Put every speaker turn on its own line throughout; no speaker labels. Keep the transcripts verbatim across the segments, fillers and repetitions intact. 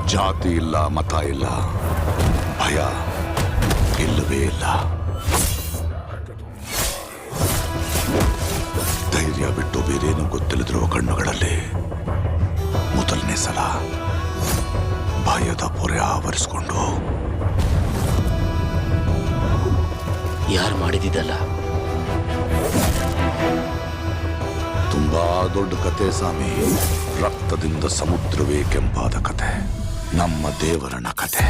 ಜಾತಿ ಇಲ್ಲ, ಮತ ಇಲ್ಲ, ಭಯ ಇಲ್ಲವೇ ಇಲ್ಲ. ಧೈರ್ಯ ಬಿಟ್ಟು ಬೇರೇನು ಗೊತ್ತಿಲ್ಲದಿರುವ ಕಣ್ಣುಗಳಲ್ಲಿ ಮೊದಲನೇ ಸಲ ಭಯದ ಪೊರೆ ಆವರಿಸಿಕೊಂಡು.
ಯಾರು ಮಾಡಿದಿದ್ದಲ್ಲ?
ತುಂಬಾ ದೊಡ್ಡ ಕತೆ ಸ್ವಾಮಿ. ರಕ್ತದಿಂದ ಸಮುದ್ರವೇ ಕೆಂಪಾದ ಕತೆ, ನಮ್ಮ ದೇವರನ ಕತೆ.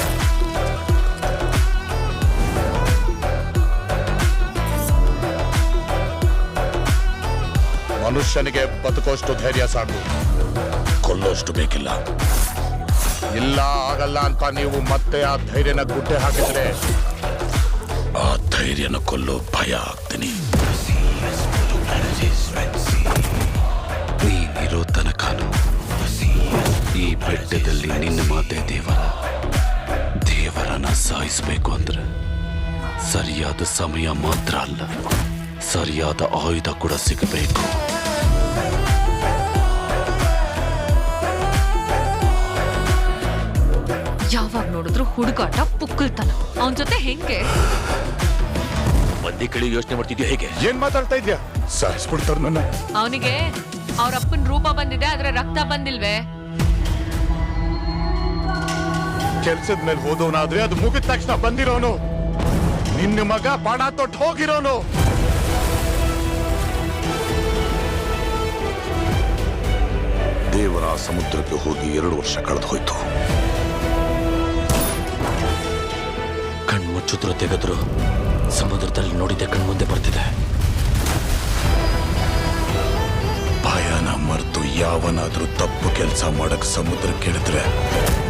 ಮನುಷ್ಯನಿಗೆ ಬದುಕೋಷ್ಟು ಧೈರ್ಯ ಸಾಕು, ಕೊಲ್ಲೋಷ್ಟು ಬೇಕಿಲ್ಲ. ಇಲ್ಲ ಆಗಲ್ಲ ಅಂತ ನೀವು ಮತ್ತೆ ಆ ಧೈರ್ಯನ ಗುಡ್ಡೆ ಹಾಕಿದ್ರೆ ಆ ಧೈರ್ಯನ ಕೊಲ್ಲೋ ಭಯ ಆಗ್ತೀನಿ.
ನೀನಿರೋ ತನಕನು ಈ ಬೆಟ್ಟದಲ್ಲಿ ನಿನ್ನ ಮಾತೆ ದೇವರ. ದೇವರನ್ನ ಸಾಯಿಸಬೇಕು ಅಂದ್ರೆ ಸರಿಯಾದ ಸಮಯ ಮಾತ್ರ ಅಲ್ಲ, ಸರಿಯಾದ ಆಯುಧ ಕೂಡ ಸಿಗಬೇಕು.
ಯಾವಾಗ ನೋಡಿದ್ರು ಹುಡುಗಾಟ, ಪುಕ್ಕಲ್ತನ. ಅವನ್ ಜೊತೆ ಹೆಂಗೆ
ಬಂದಿ ಕಳಿ ಯೋಚನೆ ಮಾಡ್ತಿದ್ಯೋ? ಹೇಗೆ
ಏನ್ ಮಾತಾಡ್ತಾ ಇದ್ಯಾ? ಸಾಯಿಸ್ಬಿಡ್ತಾರ ನನ್ನ.
ಅವನಿಗೆ ಅವ್ರ ಅಪ್ಪನ ರೂಪ ಬಂದಿದೆ, ಆದ್ರೆ ರಕ್ತ ಬಂದಿಲ್ವೇ?
ಕೆಲ್ಸದ ಮೇಲೆ ಹೋದವನಾದ್ರೆ ಅದು ಮುಗಿದ ತಕ್ಷಣ ಬಂದಿರೋನು. ನಿನ್ನ ಮಗ ಬಾಣ ತೊಟ್ಟು ಹೋಗಿರೋನು.
ದೇವರ ಸಮುದ್ರಕ್ಕೆ ಹೋಗಿ ಎರಡು ವರ್ಷ ಕಳೆದು ಹೋಯ್ತು.
ಕಣ್ಮುಚ್ಚಿದ್ರು ತೆಗೆದ್ರು ಸಮುದ್ರದಲ್ಲಿ ನೋಡಿದ್ದೆ ಕಣ್ಮುಂದೆ ಬರ್ತಿದೆ.
ಭಯನ ಮರೆತು ಯಾವನಾದ್ರೂ ತಪ್ಪು ಕೆಲಸ ಮಾಡಕ್ ಸಮುದ್ರಕ್ಕೆ ಇಳಿದ್ರೆ